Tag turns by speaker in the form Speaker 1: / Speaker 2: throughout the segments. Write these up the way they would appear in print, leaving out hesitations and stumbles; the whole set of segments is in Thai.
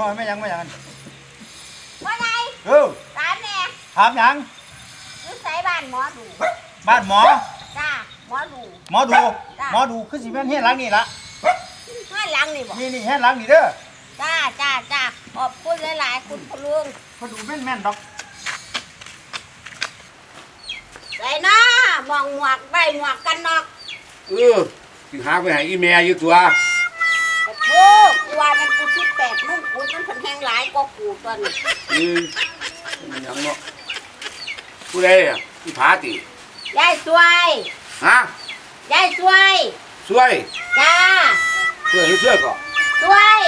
Speaker 1: ไม่ยัง
Speaker 2: ว่าไงถามแน่
Speaker 1: ถามยัง
Speaker 2: อยู่ไสบ้านหมอดู
Speaker 1: บ้านหมอ
Speaker 2: จ้าหมอดู
Speaker 1: คือสิแม่นเฮ็ดหลังนี่ล่ะ
Speaker 2: ห้าหลังนี่บ่
Speaker 1: นี่เฮ็ดหลังนี่เด้อ
Speaker 2: จ้าขอบคุณหลายๆคุณพ่อลุง
Speaker 1: พอดูแม่นดอก
Speaker 2: ไอ้น้ามองหมวกได้หมวกกันนอก
Speaker 3: สิหาไปให้อีแม่อยู่ตัว
Speaker 2: โอ้กูว่ามันกูคิดแปลกนุ่งกูมันเพิ่นแห้งหลายกว่ากูตัวนี้
Speaker 3: มันยังเนาะผู้ใดอ่ะอีผาติ
Speaker 2: ยายสวย
Speaker 3: ฮะ
Speaker 2: ยายสวยจ้า
Speaker 3: ช่วยก่อน
Speaker 2: สวย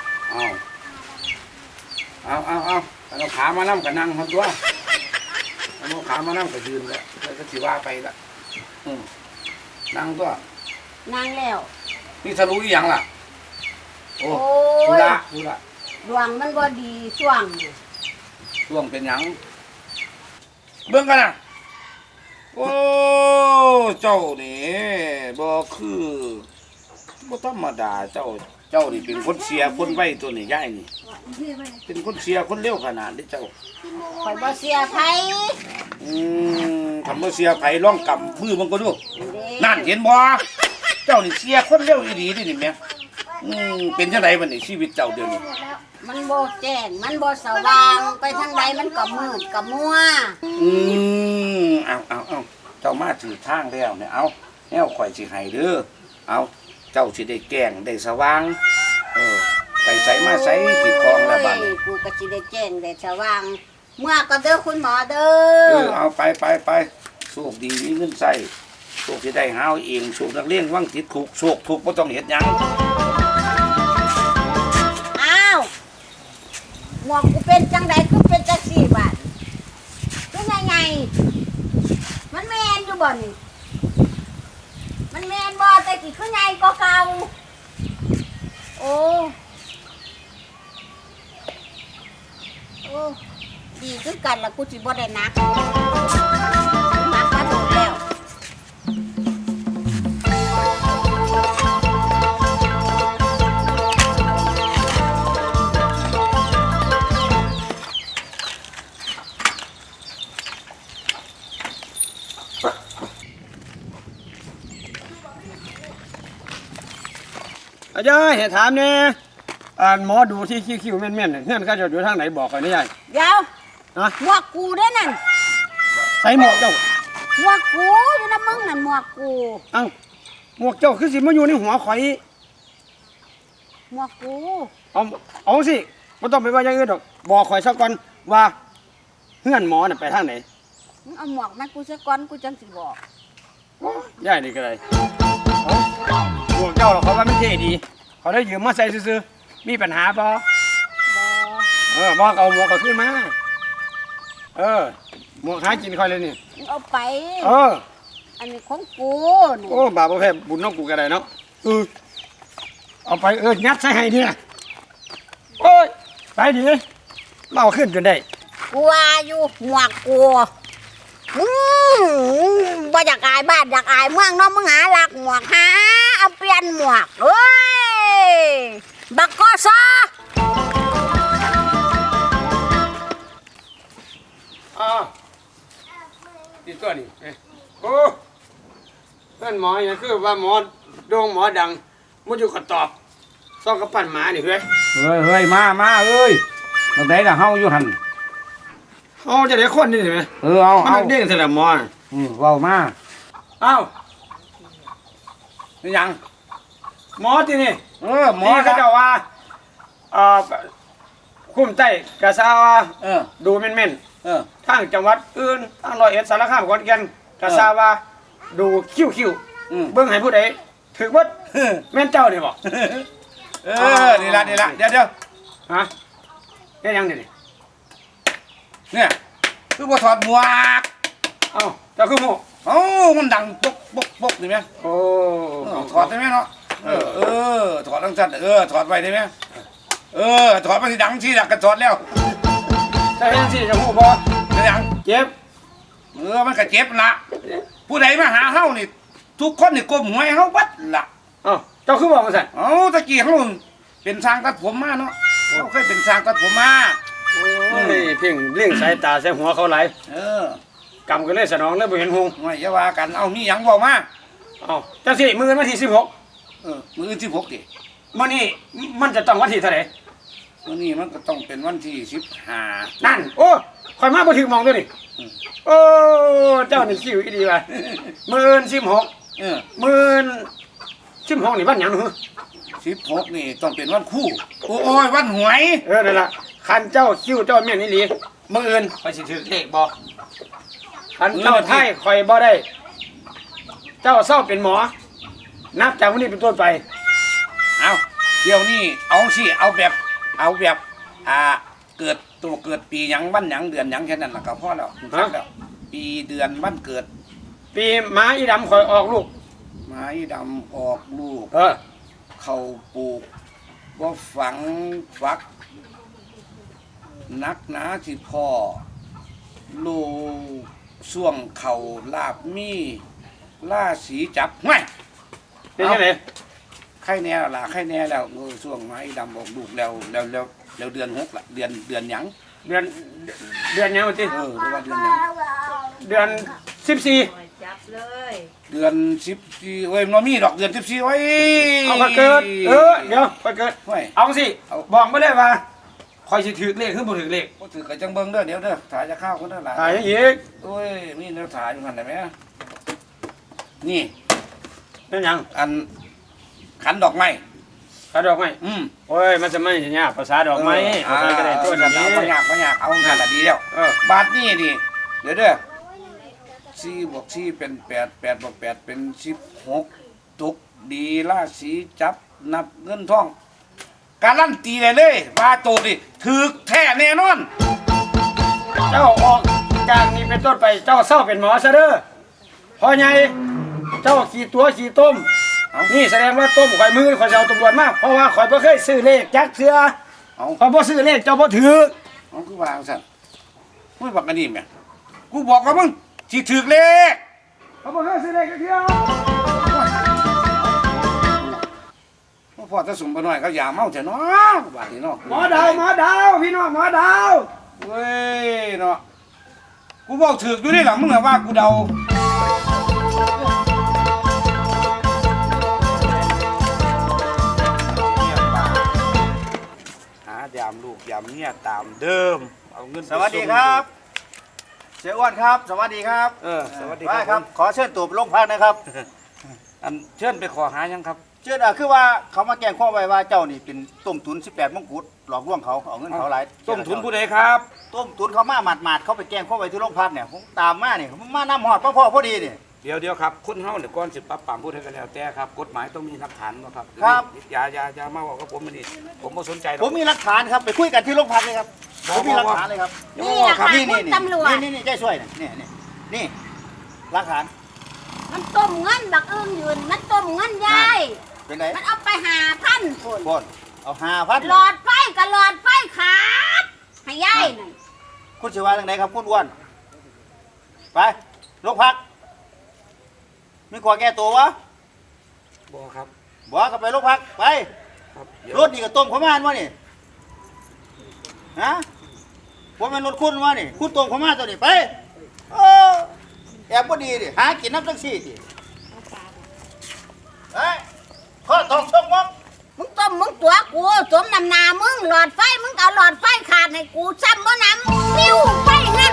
Speaker 3: เอาขามานั่งกับนั่งทำตัวเอาขามานั่งกับยืนแล้วก็สิว่าไปละนั่งตัว
Speaker 2: นั่งแล้ว
Speaker 3: นี่ทะลุยังล่ะโอ้ดูละ
Speaker 2: ดวงมันบ่ดีช่วง
Speaker 3: เป็นหยังเบิ่งกันนะโอ้เจ้านี่บ่คือบ่ธรรมดาเจ้านี่เป็นคนเสียคนไว้ตัวนี่ย่ายนี่เป็นคนเสียคนเร็วขนาดนี้เจ้า
Speaker 2: ข่อยบ่เสียไผ
Speaker 3: ทำบ่เสียไผร้องกำมือมันก็ดูนั่นเห็นบ่เจ้านี่เสียคนเร็วอีหลีนี่แม่เป็นจังไดบัดนี้ชีวิตเจ้าเดี๋ยวนี้
Speaker 2: มันบ่แจ้งมันบ่สว่างไปทางใดมันก็มืดก็มัว
Speaker 3: เอาเจ้ามาถือทางแล้วเนี่ยเอาแนวข่อยสิให้เด้อเอาเจ้าสิได้แก้งได้สว่างไปใส่มาใส่ที่คลองละบัด
Speaker 2: กูก็สิได้แจ้งได้สว่างเมื่อก็เด้อคุณหมอเด้อ
Speaker 3: เอาไปโชคดีมีเงินใส่โชคสิได้หาเองโชคนักเลี้ยงวังติดคุกโชคทุกบ่ต้องเฮ็ดหยัง
Speaker 2: หมวกกูเป็นจังใดคือเป็นจังสี่บาทคือไงมันแมนอยู่บ่นี่มันแมนบ่แต่กี่คือไงก็เก่าโอ้ดีคือกันละกูสิบ่ได้นักมาโดนแล้ว
Speaker 1: อาจารย์เห็นถามเนี่ยหมอดูที่คิ้วแม่นๆเนี่ยเงื่อนก็จะอยู่ทางไหนบอกก่อนนี่ยาย
Speaker 2: เดี๋ยวหมวกกูได้นั่น
Speaker 1: ใส่หมวกเจ้า
Speaker 2: หมวกกูอยู่นะมึงนั่นหมวกกู
Speaker 1: หมวกเจ้าคือสิมาอยู่ในหัวข่อย
Speaker 2: หมวกกู
Speaker 1: เอาสิไม่ต้องไปว่าอย่างอื่นหรอกบอกข่อยสักก่อนว่าเงื่อนหมอน่ะไปทางไหน
Speaker 2: เอาหมวกแม่กูสักก่อนกูจังสิบอก
Speaker 1: ยายนี่ก็เลยหมวกเจ้าเขาว่ามันเท่ดีเขาได้ยืมมาใส่ซื้อมีปัญหาปะบอกเอาหมวกเขาขึ้นมาหมวกหากินค่อยเลยนี่
Speaker 2: เอาไปอันนี้ของกู
Speaker 1: โอ้บาปแพ้บุญน้องกูกันเลยเนาะเอาไปยัดใส่ให้เนี่ยโอ้ยไปดิเล่าขึ้นจนได้
Speaker 2: กูว่าอยู่หมวกกูบ่อยากอายบ้านอยากอายเมืองน้องมึงหาหลักหมวกหาเอาเปลี่ยนหมวกบักกอซอ
Speaker 1: ดีตัวนี้โอ้เพื่อนหมอเนี่ยคือว่าหมอโด่งหมอดังมุ่งอยู่กระตอบซ่องกระปั้นหมานี่เ
Speaker 3: ฮ้ยมาเอ้ยตรงไหนล่ะเฮาอยู่หัน
Speaker 1: เอาจะได้คนนี่ใช่ไหม
Speaker 3: เอา
Speaker 1: เด้งเสร็จแล้วหมอ
Speaker 3: ว้าวมา
Speaker 1: นี่ยังหมอที่นี่
Speaker 3: หมอ
Speaker 1: เขาจะว่าคุ้มใต้กระซาว่าดูเม่นทางจังหวัดอื่นทางร้อยเอ็ดสารคามขอนแก่นกระซาว่าดูคิ้วเบิ่งให้ผู้ใดถือว่าแม่นเจ้านี่บอก
Speaker 3: นี่ละเดี๋ยว
Speaker 1: ฮะนี่ยังนี่
Speaker 3: เนี่ยคือบ่ถอดหมวก
Speaker 1: เจ้าคือหมวก
Speaker 3: มันดังปกได้ไหมถอดได้ไหมเนาะถอดตั้งจัดถอดไปได้ไหมถอดไปที่ดังที่ดักกันถอดแล้ว
Speaker 1: จะเห็นสิจะหูบ่
Speaker 3: จะยัง
Speaker 1: เจ็บ
Speaker 3: มันก็เจ็บละผู้ใดมาหาเฮานี่ทุกคนนี่ก้มหัวให้เฮาบัดละ
Speaker 1: เจ้าคือบอกมาสั่น
Speaker 3: ตะกี้เฮาเป็นช่างตัดผมมาเนาะเขาเคยเป็นสร้างตัดผมมา
Speaker 1: โอ้ยเพ่งเลี้ยงสายตาใส่หัวเขาไหลาย
Speaker 3: เออก
Speaker 1: ำกันเลยสนองเลยบ่เห็นหง
Speaker 3: ไม่อย่าว่ากันเอามีหยังบอกมา
Speaker 1: เอ้าจังสิมื้อวันที่16
Speaker 3: มื้อ16ดิ
Speaker 1: มื้อนี้มันจะต้องวันที่เท่าไหร่
Speaker 3: มื้อนี้มันก็ต้องเป็นวันที่15
Speaker 1: นั่นโอ้ข่อยมาบ่ถึงหมองตัวนี่โอ้เจ้านี่คิวอีดีว่ะ16
Speaker 3: เออ
Speaker 1: 16นี่วันหยังหนู
Speaker 3: 16นี่ต้องเป็นวันคู่โอ้ยวันหวย
Speaker 1: นั่นล่ะคันเจ้าคิวเจ้าแม่นอีหลีมื้ออื่นข่อยสิถือเลขบ่คันเจ้าไทยข่อยบ่ได้ เจ้าเศร้าเป็นหมอ นับจากวันนี้เป็นต้นไป
Speaker 3: เอาเดี๋ยวนี้เอาสิเอาแบบเกิดตัวเกิดปีหยังวันหยังเดือนหยังแค่นั้นล่ะก็พอแล้วครับแล้วปีเดือนวันเกิด
Speaker 1: ปีหมาอีดำข่อยออกลูก
Speaker 3: ไม้ดำออกลูก
Speaker 1: เออ
Speaker 3: เข้าปลูกบ่ฝังฟัก นักหนาสิพ่อลูกส่วงเข่าลาบมีล่าสีจับห้วย
Speaker 1: เป็นยังไง
Speaker 3: ไข่แน่แล้วล่ะไข่แน่แล้วส่วงไม้ดำออกลูกแล้วเดือน6ละเดือนหยัง
Speaker 1: เดือนยังวันที่
Speaker 3: เรือว่าเดือนหยัง
Speaker 1: เดือน14
Speaker 2: จับเลย
Speaker 3: เดือน14เว้ยมันมีดอกเดือน14ไว้
Speaker 1: เอาข่อยเกิด เดี๋ยวข่อยเกิด
Speaker 3: ห้วย
Speaker 1: เอาสิบอกมาเลยว่าข่อยสิถือเลขหรือบ่ถือเลข
Speaker 3: บ่ถือกับจังเบิ่งเด้อเดี๋ยวเด้อถ่ายจะข้าวคนเด้อหลาย
Speaker 1: ถ่ายยังอีก
Speaker 3: โอ้ยมีแนวถ่ายอยู่หั่นได้ไหมนี่
Speaker 1: เป็นหยัง
Speaker 3: อันขันดอกไม้
Speaker 1: ขาดอกไม้ โอ้ยมันจะไม่ใช่ยากภาษาดอกไม้เอาไปก็ได้ตัวนี้
Speaker 3: เอาบ่ยากเอาหันละดีแล้ว บาทนี่ดิเดี๋ยวเด้อ4 บวก 4เป็น8 8 บวก 8เป็น16ตุกดีราศีจับนับเงินทองการันตีได้เลยว่าโตดิถึกแท้แน่นอน
Speaker 1: เจ้าออกจากนี้เป็นต้นไปเจ้าเศร้าเป็นหมอซะเด้อพอไงเจ้าขี่ตัวขี่ต้มนี่แสดงว่าต้มข่อยมือข่อยจะเอาตำรวจมาเพราะว่าข่อยบ่เคยซื้อเลขจักเทื่อ
Speaker 3: เอา
Speaker 1: ข่อยบ่ซื้อเลขเจ้าบ่ถือ
Speaker 3: เอาคือว่าจังซั่นมึงบอกกันนี่แม่กูบอกว่ามึงสิถึกเลข
Speaker 1: ข่อยบ่เคยซื้อเลขจักเทื่อ
Speaker 3: พอจะสุ่มไปหน่อยเขาอย่าเมาเถอะเนาะบาดนี้เนาะ
Speaker 1: หมอดาวพี่น้องหมอดาว
Speaker 3: เว้ยเนาะกูบอกถึกอยู่นี่หลังมึงอะว่ากูเดาหายามลูกยามเมียตามเดิมเอาเงินไป
Speaker 4: สวัสดีครับเสียอ้วนครับ สวัสดีครับ
Speaker 3: สวัสดี
Speaker 4: ได้
Speaker 3: ค
Speaker 4: ค
Speaker 3: รั
Speaker 4: รับ บ ขอเชิญตัวไปโรงพักนะครับ
Speaker 3: อันเชิญไปขอหายังครับ
Speaker 4: เชิญคือว่าเขามาแจ้งข้อไว้ว่าเจ้านี่เป็นต้มทุน18มงกุฎหลอกลวงเขาเอาเงินเขาหลาย
Speaker 3: ต้มทุนผู้ใดครับ
Speaker 4: ต้มทุนเขามาหมาดๆเขาไปแจ้งข้อไว้ที่โรงพักเนี่ยผมตามมาเนี่ยผมมาน้ำหอดพ่อพอดีเนี่ย
Speaker 3: เดี๋ยวครับคุณเฮาเนี่ยก่อนสิปรับปรามผู้ใดก็แล้วแต่ครับกฎหมายต้องมีหลักฐานบ่ครับ
Speaker 4: ครับ
Speaker 3: อย่ามาบอกกับผมอันนี่ผมบ่สนใจหรอก
Speaker 4: ผมมีหลักฐานครับไปคุยกันที่โรงพักเลยครับผมมีหลักฐานเลยครับ
Speaker 2: นี่แหละค่ะ
Speaker 4: นี่
Speaker 2: คุณตำรวจ
Speaker 4: นี่ใจช่วยนะนี่หลักฐาน
Speaker 2: มันต้มเงินบักอึ้งยืนมันต้มเงินยาย
Speaker 4: เป็นไง
Speaker 2: มันเอาไป5,000คน
Speaker 4: บนเอา5,000
Speaker 2: หลอดไฟกับหลอดไฟขาดให้ยายนั่น
Speaker 4: คุณชื่อว่าทางไหนครับคุณอ้วนไปโรงพักมีขอแก้ตัววะ
Speaker 3: บ่ครับ
Speaker 4: บอกก็ไปโรงพักไป
Speaker 3: ครับ
Speaker 4: รถนี่ก็ต้มข้าวมานวะนี่ฮะผมเป็นรถคุณวะนี่คุณต้มข้าวมานตัวนี้ไปแอบบ่ดีดิหากินน้ำจังซี่ดิเฮ้ยข้อทองช่องมอง
Speaker 2: มึงต้มมึงตัวกูสมนำหนามึงหลอดไฟมึงเอาหลอดไฟขาดให้กูซ้ำบ่นำปิ้วไฟไหน